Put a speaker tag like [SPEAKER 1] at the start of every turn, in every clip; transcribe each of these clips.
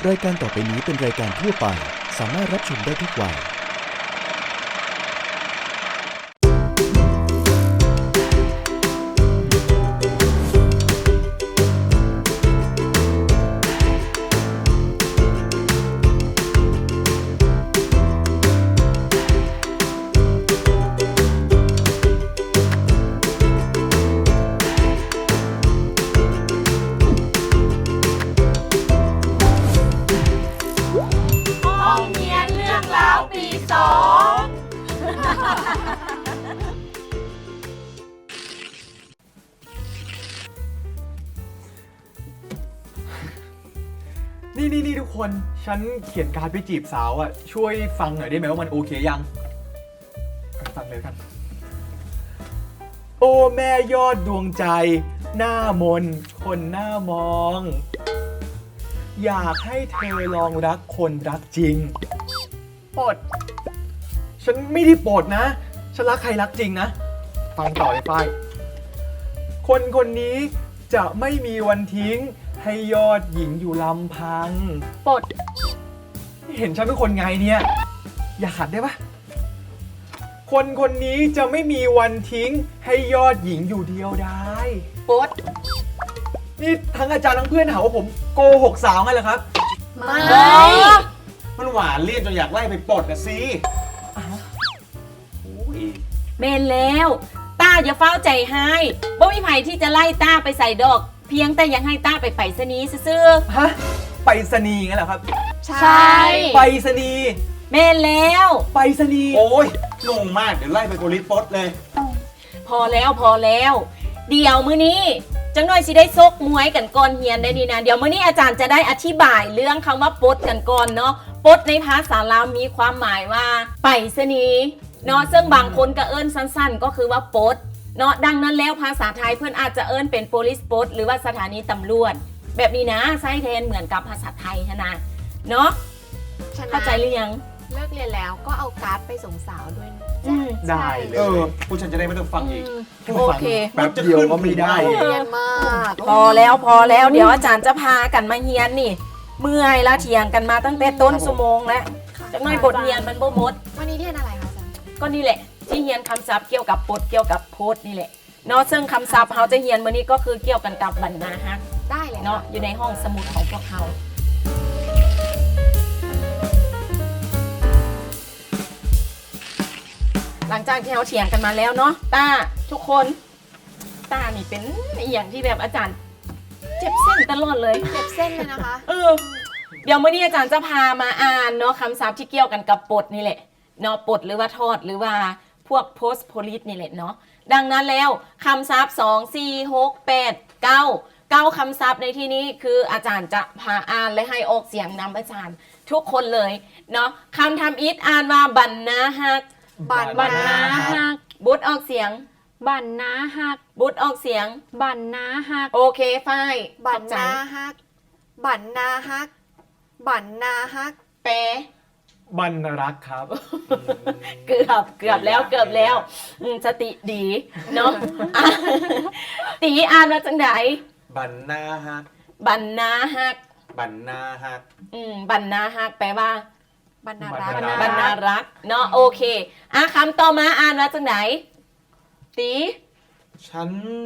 [SPEAKER 1] รายการต่อไปนี้เป็นรายการทั่วไปสามารถรับชมได้ทุกวัย
[SPEAKER 2] ห้องเรียนเรื่องราวปีสอง
[SPEAKER 3] นี่ทุกคนฉันเขียนการ์ดไปจีบสาวอ่ะช่วยฟังหน่อยได้ไหมว่ามันโอเคยังฟังเลยกันโอ้แม่ยอดดวงใจหน้ามนคนหน้ามอง อยากให้เธอลองรักคนรักจริงปดฉันไม่ได้ปดนะฉันรักใครรักจริงนะฟังต่อเลยฝ้ายคนคนนี้จะไม่มีวันทิ้งให้ยอดหญิงอยู่ลำพังปดเห็นฉันเป็นคนไงเนี่ยอย่าขัดได้ปะคนคนนี้จะไม่มีวันทิ้งให้ยอดหญิงอยู่เดียวได้ปดนี่ทั้งอาจารย์ทั้งเพื่อนหาว่าผมโกหกสาวไงเหรอครับ
[SPEAKER 2] ไม่
[SPEAKER 4] มันหวานเลี่ยนจนอยากไล่ไปปลดนะสิอุ้ย
[SPEAKER 2] เมนแล้วต้าอย่าเฝ้าใจให้บ่มีไผที่จะไล่ต้าไปใส่ดอก เพียงแต่ยังให้ต้าไปไปสนีย์ซื่อ
[SPEAKER 3] ฮะไปรษณีย์งั้นเหรอครับ
[SPEAKER 2] ๆใช่
[SPEAKER 3] ไปรษณีย์
[SPEAKER 2] เมนแล้ว
[SPEAKER 3] ไปรษณีย์
[SPEAKER 4] โอ้ยงงมาก เดี๋ยวไล่ไปโกลิปลดเลย
[SPEAKER 2] พอแล้ว เดี๋ยวมื้อนี้จังหน่อยสิได้ซกมวยกันก่อนเฮียนได้ดีนะเดี๋ยวมื้อนี้อาจารย์จะได้อธิบายเรื่องคำว่าปดกันก่อนเนาะปดในภาษาลาวมีความหมายว่าไปสนีย์เนาะซึ่งบางคนก็เอิ้นสั้นๆ ก็คือว่าปดเนาะดังนั้นแล้วภาษาไทยเพื่อนอาจจะเอิ้นเป็น police post หรือว่าสถานีตำรวจแบบนี้นะไส้แทนเหมือนกับภาษาไทยนะเนาะ
[SPEAKER 5] ฉะนั้น
[SPEAKER 2] เข้าใจหรือยัง
[SPEAKER 5] เลิกเรียนแล้วก็เอาการ์ดไปส่งสาวด้วยนะ
[SPEAKER 2] อืม
[SPEAKER 3] ได้เลย
[SPEAKER 4] ผู้ฉันจะได้ไม่ต้องฟังอีก
[SPEAKER 2] โอเค
[SPEAKER 3] แป๊บเดียวก็ไม่ได้
[SPEAKER 5] เรียนมาก
[SPEAKER 2] พอแล้วเดี๋ยวอาจารย์จะพากันมาเฮียนนี่ เมื่อยแล้วเถียงกันมาตั้งแต่ต้นชั่วโมงแล้วจังหน่อยบทเรียนมันบ่หมด
[SPEAKER 5] วันนี้เรียนอะไรคะอาจารย์
[SPEAKER 2] ก็นี่แหละที่เฮียนคำศัพท์เกี่ยวกับปดเกี่ยวกับโพสต์นี่แหละเนาะซึ่งคำศัพท์เขาจะเฮียนมื้อนี้ก็คือเกี่ยวกันกับบรรณาฮัก
[SPEAKER 5] ได้เลย
[SPEAKER 2] เนาะอยู่ในห้องสมุดของพวกเขาหลังจากที่เราเถียงกันมาแล้วเนาะต้าทุกคนต้านี่เป็นอหย่างที่แบบอาจารย์เจ็บเส้นตลอดเลย
[SPEAKER 5] เจ็บเส้นเลยนะคะ
[SPEAKER 2] เดี๋ยวมื่อนี้อาจารย์จะพามาอ่านเนาะคำศัพท์ที่เกี่ยวกันกับปดนี่แหละเนาะปดหรือว่าทอดหรือว่าพวก post police นี่แหละเนาะดังนั้นแล้วคำศัพท์2 4 6 8 9คำศัพท์ในที่นี้คืออาจารย์จะพาอ่านและให้ออกเสียงนำอาจารย์ทุกคนเลยเนาะคำทำอิฐอ่านว่าบันนาฮัก
[SPEAKER 5] บันนาฮัก
[SPEAKER 2] บุตรออกเสียง
[SPEAKER 6] บันนาฮัก
[SPEAKER 2] บุตรออกเสียง
[SPEAKER 6] บันนาฮัก
[SPEAKER 2] โอเคฝ้าย
[SPEAKER 5] บัน
[SPEAKER 2] ขอบใจ
[SPEAKER 5] นาฮัก บันนาฮัก บันนาฮัก
[SPEAKER 2] แปล
[SPEAKER 3] บรรรักครับ
[SPEAKER 2] เกือบแล้วสติดีเนาะ อ่ะตีอ่านมาจังไหน
[SPEAKER 4] บันนาฮัก
[SPEAKER 2] บันนาฮัก
[SPEAKER 4] บันนาฮัก
[SPEAKER 2] บันนาฮักแปลว่า
[SPEAKER 5] บันนารัก
[SPEAKER 2] บันนารักเนาะโอเคอ่ะคำต่อมาอ่านมาจังไหนตี
[SPEAKER 4] ฉัน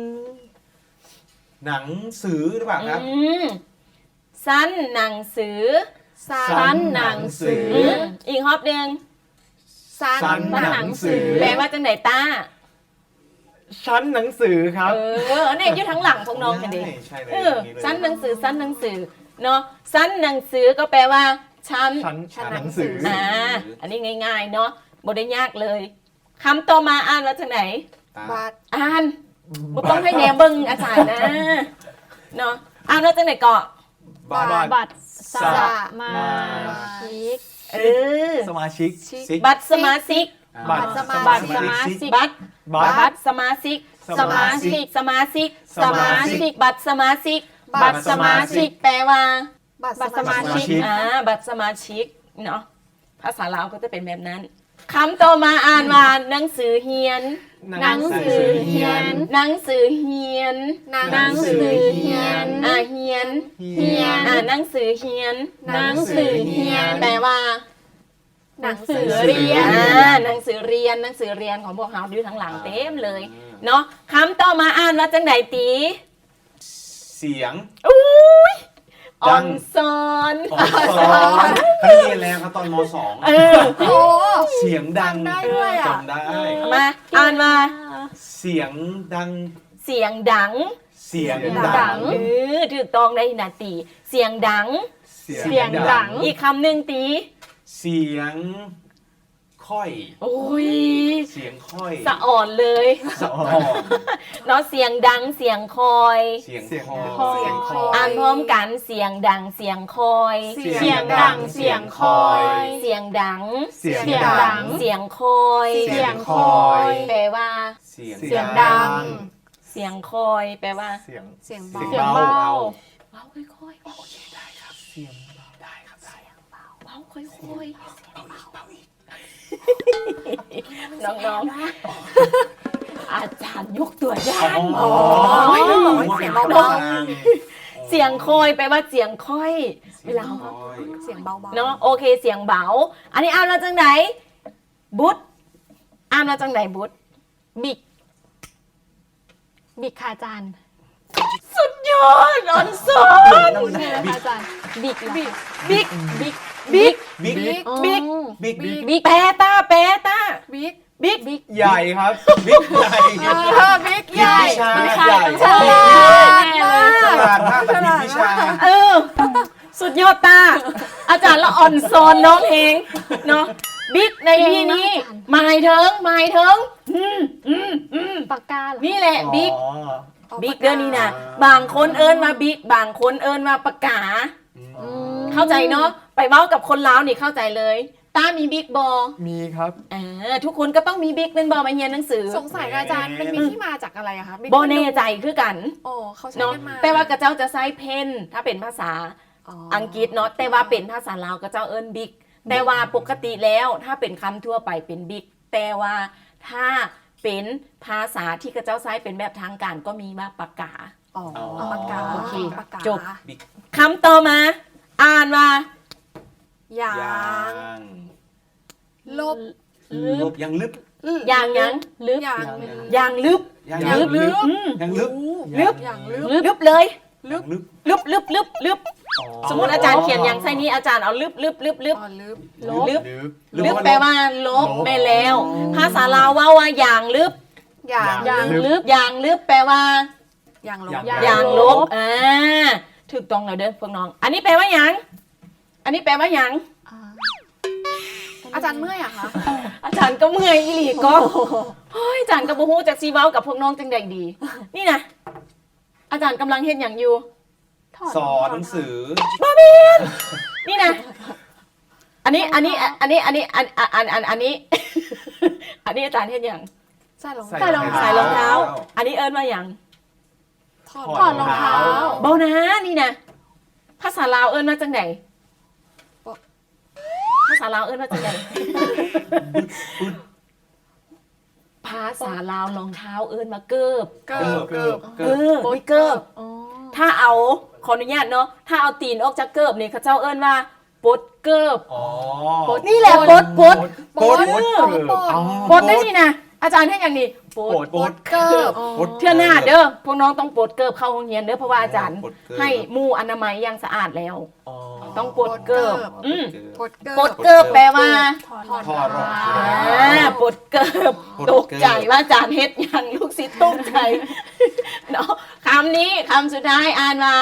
[SPEAKER 4] หนังสือหรือเปล่าครับ
[SPEAKER 2] สั้นหนังสือ
[SPEAKER 5] สัน
[SPEAKER 6] หนังสือ
[SPEAKER 2] อีกฮอบหนึ่ง
[SPEAKER 5] สัน
[SPEAKER 3] สันหนังสือ
[SPEAKER 2] แปลว่าจังไหนต้า
[SPEAKER 3] ชั้นหนังสือครับ
[SPEAKER 2] เนี่ยอยู่ทั้งหลังพวกน้องกันดิ
[SPEAKER 4] ใช่เลย
[SPEAKER 2] สั้นหนังสือเนาะสั้นหนังสือก็แปลว่าชั้น
[SPEAKER 3] ชั้นหนังสือ
[SPEAKER 2] อันนี้ง่ายๆเนาะบ่ได้ยากเลยคำต่อมาอ่านว่าจากไหน
[SPEAKER 5] บัด
[SPEAKER 2] อ่านบ่ต้องให้แหนเบิ่งอาจารย์นะเนาะอ่านว่าจากไหนเกาะ
[SPEAKER 4] บัตร
[SPEAKER 6] บัตรส
[SPEAKER 5] สะ
[SPEAKER 6] มาชิก
[SPEAKER 2] เออ
[SPEAKER 3] สมาชิก
[SPEAKER 4] ซิก
[SPEAKER 2] บัตรสมาชิก
[SPEAKER 3] บัตร
[SPEAKER 6] บัตรสมาชิก
[SPEAKER 2] บัตร
[SPEAKER 3] บัตร
[SPEAKER 2] สมาชิก
[SPEAKER 3] สมาชิก
[SPEAKER 2] สมาชิก
[SPEAKER 3] สมาชิก
[SPEAKER 2] บัตรสมาชิก
[SPEAKER 5] บัตรสมาชิก
[SPEAKER 2] แปลว่า
[SPEAKER 5] บัตร
[SPEAKER 6] บัตร
[SPEAKER 5] สมาชิก
[SPEAKER 3] ชิก
[SPEAKER 2] บัตรสมาชิกเนาะภาษาลาวก็จะเป็นแบบนั้นคำต่อมาอ่านว่าหนังสือเฮียน
[SPEAKER 6] หนังสือเฮียน
[SPEAKER 2] หนังสือเฮียน
[SPEAKER 6] หนังสือเฮียน
[SPEAKER 2] เฮียน
[SPEAKER 6] เฮียน
[SPEAKER 2] หนังสือเฮียน
[SPEAKER 6] หนังสือเฮียน
[SPEAKER 2] แปลว่า
[SPEAKER 5] หนังสือ
[SPEAKER 6] เรียน
[SPEAKER 2] หนังสือเรียนหนังสือเรียนของพวกเราดูทั้งหลังเต็มเลยเนาะคำต่อมาอ่านว่าจังไหนตี
[SPEAKER 4] เสียง
[SPEAKER 2] อุ้ย
[SPEAKER 4] ดั
[SPEAKER 2] อ่อง นซอน
[SPEAKER 4] อ๋อสอนเขาเรียนแล้วครับตอนม .2
[SPEAKER 2] เออ
[SPEAKER 5] โอ้
[SPEAKER 4] เสียงดัง
[SPEAKER 5] จำได้ด้วยอ่ะ
[SPEAKER 4] จำได้
[SPEAKER 2] มาอ่านมา
[SPEAKER 4] เสียงดัง
[SPEAKER 2] เสียงดัง
[SPEAKER 4] เสียง
[SPEAKER 6] ดั
[SPEAKER 4] ดัง
[SPEAKER 6] ง
[SPEAKER 2] ถูกต้องได้นาตีเสียงดัง
[SPEAKER 6] เสียงดัง
[SPEAKER 2] อีกคำหนึ่งตี
[SPEAKER 4] เสียงค่อย
[SPEAKER 2] โอ้ย
[SPEAKER 4] เสียงค่อย
[SPEAKER 2] สะอ่อนเลย
[SPEAKER 4] สะอ่อน
[SPEAKER 2] เนาะเสียงดังเสียงคอย
[SPEAKER 4] เสียง
[SPEAKER 3] เสียง
[SPEAKER 4] คอ
[SPEAKER 3] คอย
[SPEAKER 5] เสียงคอย
[SPEAKER 2] อ่านพร้อมกันเสียงดังเสียงคอย
[SPEAKER 5] เสียง
[SPEAKER 6] เสียงดังเสียงคอย
[SPEAKER 2] เสียงดัง
[SPEAKER 3] เสียง
[SPEAKER 6] เสียงดัง
[SPEAKER 2] เสียงคอย
[SPEAKER 6] เสียงคอย
[SPEAKER 2] แปลว่า
[SPEAKER 4] เสียง
[SPEAKER 6] เสียงดัง
[SPEAKER 2] เสียงคอยแปลว่า
[SPEAKER 3] เสียง
[SPEAKER 5] เสียง
[SPEAKER 6] เสียง
[SPEAKER 5] เบา
[SPEAKER 6] เบา
[SPEAKER 2] เบาค่อยๆ
[SPEAKER 4] โอเคได้ครับเสียงได้ครับได้
[SPEAKER 2] เบาค่อย
[SPEAKER 4] เบาอีกเบาอีก
[SPEAKER 2] ๆน้องๆอาจารย์ยกตัวอย่าง
[SPEAKER 4] อ๋อ
[SPEAKER 5] เสียงเบา
[SPEAKER 2] เสียงคอยแปลว่าเสียงค่อย เวลา
[SPEAKER 5] ๆเสียงเบาๆ
[SPEAKER 2] เนาะโอเคเสียงเบา อันนี้อ่านมาจังไหนบุตอ่านมาจังไหนบุต
[SPEAKER 6] บิก บิกค่ะอาจารย์
[SPEAKER 2] สุดยอดอ่อนสอน
[SPEAKER 6] ใช่ไหมคะอาจารย์ บิกเหรอคะ
[SPEAKER 2] บิ๊ก
[SPEAKER 6] บิก
[SPEAKER 2] บิ๊ก
[SPEAKER 4] บิ๊ก
[SPEAKER 6] อ๋อ
[SPEAKER 2] บิ๊ก
[SPEAKER 4] บิ๊กบิ๊ก
[SPEAKER 6] บิ๊ก
[SPEAKER 2] แปรตาแปรตา
[SPEAKER 5] บิ๊ก
[SPEAKER 2] บิ๊ก
[SPEAKER 6] บิ๊ก
[SPEAKER 3] ใหญ่ครับ
[SPEAKER 4] บิ๊กใหญ่
[SPEAKER 5] บิ๊กใหญ่
[SPEAKER 4] วิชา
[SPEAKER 6] บิ๊ก
[SPEAKER 4] ใหญ่
[SPEAKER 6] ใช่
[SPEAKER 2] แน่เลย
[SPEAKER 4] ฉลาดมากแต่บิ๊กวิชา
[SPEAKER 2] เออ สุดยอดตา อาจารย์ละอ่อนซอนน้องเองเนาะบิ๊กในที่นี้หมายถึง
[SPEAKER 6] ปากกาเหรอ
[SPEAKER 2] นี่แหละบิ๊ก
[SPEAKER 3] อ๋อ
[SPEAKER 2] บิ๊กเดือนนี้นะบางคนเอิญมาบิ๊กบางคนเอิญมาปากกา
[SPEAKER 6] อืม
[SPEAKER 2] เข้าใจเนาะไปเว้ากับคนลาวนี่เข้าใจเลยตามีบิ๊กบอ
[SPEAKER 3] มีครับ
[SPEAKER 2] ทุกคนก็ต้องมีบิ๊กเป็นบอมาเรียนหนังสือ
[SPEAKER 5] สงสัยกับอาจารย์มันมีที่มาจากอะไรอะคะ
[SPEAKER 2] บอแน่ใจคือกัน
[SPEAKER 5] โอ้เขาใช้
[SPEAKER 2] เนาะ
[SPEAKER 5] กันมา
[SPEAKER 2] แต่ว่ากระเจ้าจะใช้เพนถ้าเป็นภาษา อังกฤษเนาะแต่ว่าเป็นภาษาลาวกระเจ้าเอิญบิ๊กแต่ว่าปกติแล้วถ้าเป็นคำทั่วไปเป็นบิ๊กแต่ว่าถ้าเป็นภาษาที่กระเจ้าใช้เป็นแบบทางการก็มีว่าปากกา
[SPEAKER 5] อ๋อปากกา
[SPEAKER 2] โอเค
[SPEAKER 5] ปากกา
[SPEAKER 2] จบ คำต่อมา อ่านว่า
[SPEAKER 5] ยาง ลบ
[SPEAKER 4] ลบยังลึบ
[SPEAKER 2] อย่างยัง
[SPEAKER 6] ลึก
[SPEAKER 5] ยาง
[SPEAKER 2] อย่างลึบ
[SPEAKER 4] ยัง
[SPEAKER 5] ยางลึบ
[SPEAKER 4] ยังลึบ
[SPEAKER 2] ลึบ
[SPEAKER 5] ยางลึบ
[SPEAKER 2] ลึบเลย
[SPEAKER 4] ลึบ
[SPEAKER 2] ลึบสมมติอาจารย์เขียนอย่างไส้นี้อาจารย์เอาลึบ
[SPEAKER 5] อ๋อลึบ
[SPEAKER 6] ลบ
[SPEAKER 2] ลึบ
[SPEAKER 3] ลึบ
[SPEAKER 2] ลึบแปลว่าลบไปแล้ว ภาษาลาวว่าอย่างลึบ
[SPEAKER 5] ยาง
[SPEAKER 6] อย่างลึก
[SPEAKER 2] อย่างลึบแปลว่า
[SPEAKER 5] ยางลบ
[SPEAKER 2] อย่างลบถูกต้องแล้วเด้อพวกน้อง อันนี้แปลว่าหยังอันนี้แปลว่าหยัง
[SPEAKER 6] อ่า
[SPEAKER 5] อาจารย์เมื่อยอะคะ
[SPEAKER 2] อาจารย์ก็เมื่อยอีหลีก็เฮ้ยอาจารย์ก็บ่ฮู้จักซีเว้ากับพวกน้องจังใดดี นี่นะอาจารย์กำลังเฮ็ดหยังอยู่
[SPEAKER 6] ถอด
[SPEAKER 4] สอนหนังสือ
[SPEAKER 2] นี่นะอันนี้อันนี้อาจารย์เฮ็ดหยัง
[SPEAKER 5] ใช่ลง
[SPEAKER 3] ใส่รองเท้า
[SPEAKER 2] ใส่รองเท้า อันนี้เอิ้นว่าหยัง
[SPEAKER 5] ถอด
[SPEAKER 6] ถอดรองเท้า
[SPEAKER 2] เบานะนี่นะภาษาลาวเอิ้นว่าจังไดภาษาลาวเอิ้นว่าจังไดภาษาลาวรองเท้าเอิ้นมาเกิบ
[SPEAKER 5] เกิบเกิบ
[SPEAKER 2] เกิบเกิบ
[SPEAKER 6] อ๋อ
[SPEAKER 2] ถ้าเอาขออนุญาตเนาะถ้าเอาตีนออกจากเกิบนี่เขาเจ้าเอิ้นว่าปดเกิบ
[SPEAKER 4] อ๋อ
[SPEAKER 2] นี่แหละปด
[SPEAKER 5] ปด
[SPEAKER 3] ปด
[SPEAKER 2] ปดได้นี่นะอาจารย์ให้อย่างนี้ปด
[SPEAKER 3] ปด
[SPEAKER 5] เกิบ
[SPEAKER 2] เทื่อหน้าเด้อพวกน้องต้องปดเกิบเข้าโรงเรียนเด้อเพราะว่าอาจารย์
[SPEAKER 4] ปดเกิบ
[SPEAKER 2] ให้หมู่อนามัยอย่างสะอาดแล้ว
[SPEAKER 3] อ๋อ
[SPEAKER 2] ต้องปดเกิบ
[SPEAKER 5] ปดเกิบ
[SPEAKER 2] ปดเกิบแปลว่า
[SPEAKER 6] ถอด
[SPEAKER 4] ถอดรองเท้า
[SPEAKER 2] ปดเกิบ
[SPEAKER 4] ปดเกิบ
[SPEAKER 2] ตกใจว่าอาจารย์เฮ็ดอย่างลูกศิษย์ตกใจเนาะคำนี้คำสุดท้ายอ่านมา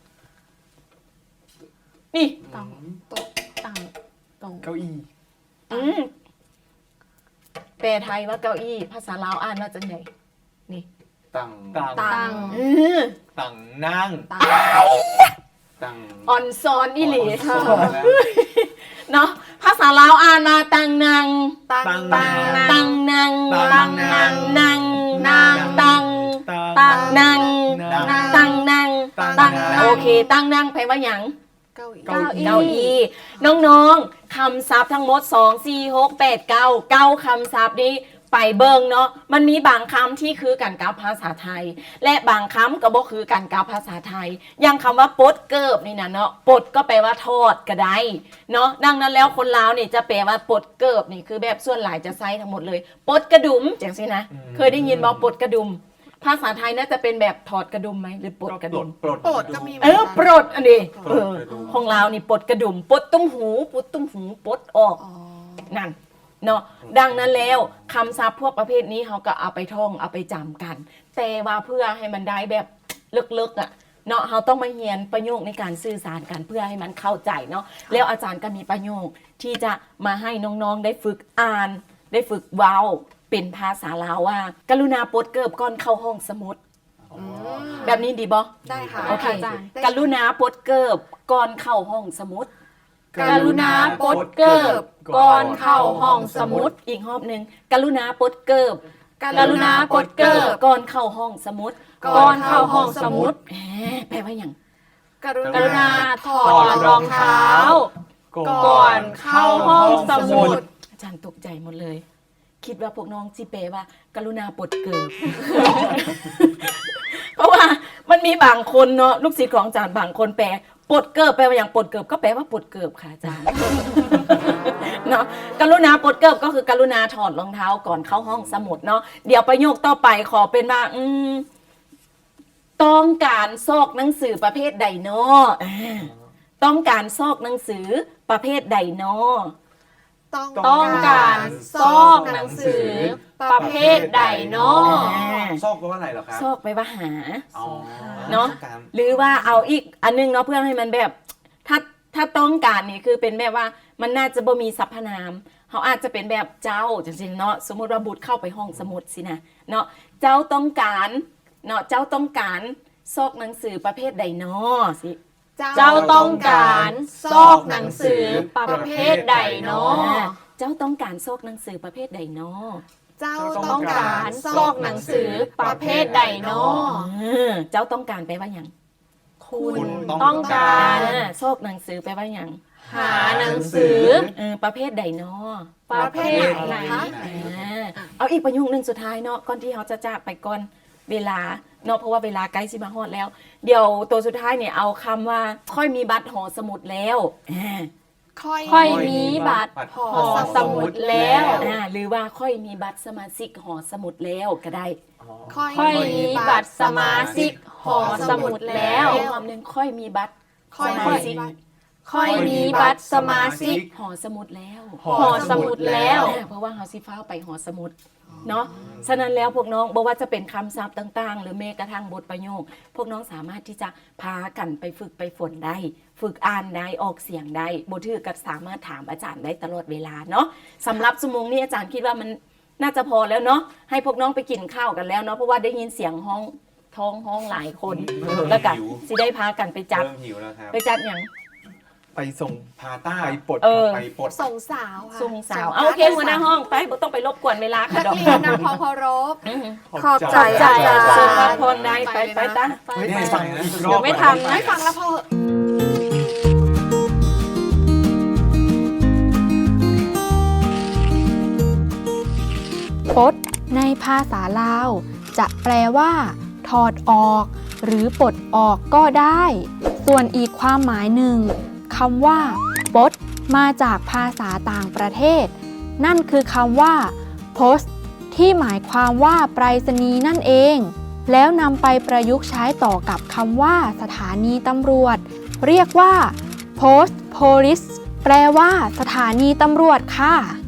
[SPEAKER 2] นี่
[SPEAKER 6] ต่างตรง
[SPEAKER 3] เก้าอี้
[SPEAKER 2] แปลไทยว่าเก้าอี้ภาษาลาวอ่านว่าจังไดนี่
[SPEAKER 4] ตั้ง
[SPEAKER 3] ต่าง
[SPEAKER 6] ตัง
[SPEAKER 3] ต่างนั่ง
[SPEAKER 4] ตั้ง
[SPEAKER 2] อ่อนซอนอีหลี
[SPEAKER 4] สอนแล้ว
[SPEAKER 2] เนาะภาษาลาวอ่านมาตังนัง
[SPEAKER 5] ตัง
[SPEAKER 3] ตัง
[SPEAKER 2] ตังนัง
[SPEAKER 3] ตังนัง
[SPEAKER 2] นัง
[SPEAKER 5] นาง
[SPEAKER 2] ตัง
[SPEAKER 3] ต่าง
[SPEAKER 2] นัง
[SPEAKER 3] นั่ง
[SPEAKER 2] ตังนัง
[SPEAKER 3] ตัง
[SPEAKER 2] โอเค ตังนังแปลว่าหยัง
[SPEAKER 5] เก้าอี้
[SPEAKER 3] เก้าอี้
[SPEAKER 2] เก้าอี้น้องๆคำศัพท์ทั้งหมด 2 4 6 8 9 9คำศัพท์นี้ไปเบิ่งเนาะมันมีบางคำที่คือกันกับภาษาไทย และบางคำก็บ่คือกันกับภาษาไทยอย่างคำว่าปดเกิบนี่นะเนาะปดก็แปลว่าทอดก็ได้เนาะดังนั้นแล้วคนลาวนี่จะแปลว่าปดเกิบนี่คือแบบส่วนหลายจะใช้ทั้งหมดเลยปดกระดุมจังซี่นะเคยได้ยินบ่ปดกระดุมภาษาไทยน่าจะเป็นแบบถอดกระดุมไหมหรือปดกระดุม
[SPEAKER 3] ปลด
[SPEAKER 5] โปรดก็มีหมื
[SPEAKER 2] เอ
[SPEAKER 5] อน
[SPEAKER 2] อ
[SPEAKER 5] กัน
[SPEAKER 2] ปลดอันนี้
[SPEAKER 4] ปลดกระดุม
[SPEAKER 2] ของเรานี่ปลดกระดุมปลดตุ้มหูปลดตุ้มหูปลดออก
[SPEAKER 5] อ๋อ
[SPEAKER 2] นั่นเนาะดังนั้นแล้วคำศัพท์พวกประเภทนี้เขาก็เอาไปท่องเอาไปจำกัน แต่ว่าเพื่อให้มันได้แบบลึกๆอ่ะเนาะเขาต้องมาเรียนประโยคในการสื่อสารกันเพื่อให้มันเข้าใจเนาะแล้วอาจารย์ก็มีประโยคที่จะมาให้น้องๆได้ฝึกอ่าน ได้ฝึกเว้าเป็นภาษาลาวว่า กรุณาปลดเกิบก่อนเข้าห้องสมุด
[SPEAKER 5] อืม
[SPEAKER 2] แบบนี้ดีบ่
[SPEAKER 5] ได้ค่ะ
[SPEAKER 2] โอเค
[SPEAKER 6] อาจารย์
[SPEAKER 2] กรุณาปลดเกิบก่อนเข้าห้องสมุด
[SPEAKER 6] กรุณาปลดเกิบก่อนเข้าห้องสมุด
[SPEAKER 2] อีกรอบหนึ่งกรุณาปลดเกิบ
[SPEAKER 6] กรุณาปลดเกิบ
[SPEAKER 2] ก่อนเข้าห้องสมุด
[SPEAKER 6] ก่อนเข้าห้องสมุด
[SPEAKER 2] แปลว่าอย่าง
[SPEAKER 5] กรุ
[SPEAKER 6] กรุณาถอดรองเท้า
[SPEAKER 3] ก่
[SPEAKER 6] ก่อนเข้าห้องสมุด
[SPEAKER 2] อาจารย์ตกใจหมดเลย คิดว่าพวกน้องจิแปลว่า กรุณาปลดเกิบ เพราะว่ามันมีบางคนเนาะลูกศิษย์ของอาจารย์บางคนแปลปลดเกิบแปลว่าอย่างปลดเกิบก็แปลว่าปลดเกิบค่ะอาจารย์ เนาะกรุณาปลดเกิบก็คือกรุณาถอดรองเท้าก่อนเข้าห้องสมุดเนาะเดี๋ยวประโยคต่อไปขอเป็นว่าต้องการซอกหนังสือประเภทใดเนาะต้องการซอกหนังสือประเภทใดเนาะ
[SPEAKER 6] ต้องการซอกหนังสือประเภทใดเนาะ
[SPEAKER 4] ซอกแปลว่าอะไรเหรอครับ
[SPEAKER 2] ซอกไปว่าหา
[SPEAKER 4] อ๋อ
[SPEAKER 2] เนาะ
[SPEAKER 4] การ
[SPEAKER 2] หรือว่าเอาอีกอันนึงเนาะเพื่อให้มันแบบถ้าต้องการนี่คือเป็นแบบว่ามันน่าจะบ่มีสรรพนามเขาอาจจะเป็นแบบเจ้าจังซี่เนาะสมมติว่าบุตรเข้าไปห้องสมุดสินะเนาะเจ้าต้องการเนาะเจ้าต้องการซอกหนังสือประเภทใดเนาะสิ
[SPEAKER 6] เจ้าต้องการซอกหนังสือประเภทใดเนาะ
[SPEAKER 2] เจ้าต้องการซอกหนังสือประเภทใดเนาะ
[SPEAKER 5] เจ้า
[SPEAKER 6] ต้องการซอกหนังสือประเภทใดเนาะ
[SPEAKER 2] เจ้าต้องการแปลว่าอย่าง
[SPEAKER 6] คุณต้องการ
[SPEAKER 2] ซอกหนังสือแปลว่าอย่าง
[SPEAKER 6] หาหนังสือ
[SPEAKER 2] ประเภทใดเนาะ
[SPEAKER 6] ประเภทไหน
[SPEAKER 2] เอาอีกประโยคนึงสุดท้ายเนาะก่อนที่เขาจะจากไปก่อนเวลาเนาะเพราะว่าเวลาใกล้สิมาฮอดแล้ว เดี๋ยวตัวสุดท้ายเนี่ยเอาคำว่าค่อยมีบัตรหอสมุดแล้วอ่า
[SPEAKER 6] ค่อยมีบัตรหอสมุดแล้ว
[SPEAKER 2] หรือว่าค่อยมีบัตรสมาชิกหอสมุดแล้วก็ได้
[SPEAKER 6] ค่อยมีบัตรสมาชิกหอสมุดแล้ว
[SPEAKER 2] อีกคำหนึ่งค่อยมีบัตร
[SPEAKER 5] ค่อย
[SPEAKER 2] ส
[SPEAKER 5] มี
[SPEAKER 2] มาชิก
[SPEAKER 5] บัตร
[SPEAKER 6] ค่อยมีบัตรสมาชิก
[SPEAKER 2] หอสมุดแล้ว
[SPEAKER 6] หอสมุดแล้ว
[SPEAKER 2] เพราะว่าเฮาสิฟ้าวไปหอสมุดเนาะฉะนั้นแล้วพวกน้องบอกว่าจะเป็นคำศัพท์ต่างๆ หรือแม้กระทั่งบทประโยค พวกน้องสามารถที่จะพากันไปฝึกไปฝนได้ ฝึกอ่านได้ออกเสียงได้บทถือก็สามารถถามอาจารย์ได้ตลอดเวลาเนาะสำหรับชั่วโมงนี้อาจารย์คิดว่ามันน่าจะพอแล้วเนาะให้พวกน้องไปกินข้าวกันแล้วเนาะเพราะว่าได้ยินเสียงท้องห้องหลายคนแล้วก็สิได้พากันไปจัด
[SPEAKER 4] เริ่มหิวแล้วครับ
[SPEAKER 2] ไปจัดอย่าง
[SPEAKER 3] ไปส่ง
[SPEAKER 4] พาต้า
[SPEAKER 3] ไปปลด
[SPEAKER 4] ไปปลด
[SPEAKER 5] ส่งสาวค่ะ
[SPEAKER 2] ส่งสาวเอาโอเคหัวหน้าห้องไปบ่ต้องไปรบกวนเวลาค่ะ
[SPEAKER 5] นัก
[SPEAKER 2] ดอก
[SPEAKER 5] เรียนนำความเคารพ
[SPEAKER 3] ขอบใจ
[SPEAKER 6] ใจ
[SPEAKER 3] อาจารย์
[SPEAKER 2] ส่งพระ
[SPEAKER 3] ย์
[SPEAKER 2] พรได้ไปตา
[SPEAKER 3] เฮ้ย
[SPEAKER 4] ไม่ฟังนะ
[SPEAKER 3] อีกร
[SPEAKER 6] เดี๋
[SPEAKER 3] อบ
[SPEAKER 6] ยวไม่ทันนะ
[SPEAKER 5] ไม่ฟังแล้วพอเหอะ
[SPEAKER 7] ปลดในภาษาลาว จะแปลว่า ถอดออก หรือปลดออกก็ได้ ส่วนอีกความหมายหนึ่งคำว่าปลดมาจากภาษาต่างประเทศ นั่นคือคำว่า post ที่หมายความว่าไปรษณีย์นั่นเอง แล้วนำไปประยุกต์ใช้ต่อกับคำว่าสถานีตำรวจ เรียกว่า post police แปลว่าสถานีตำรวจค่ะ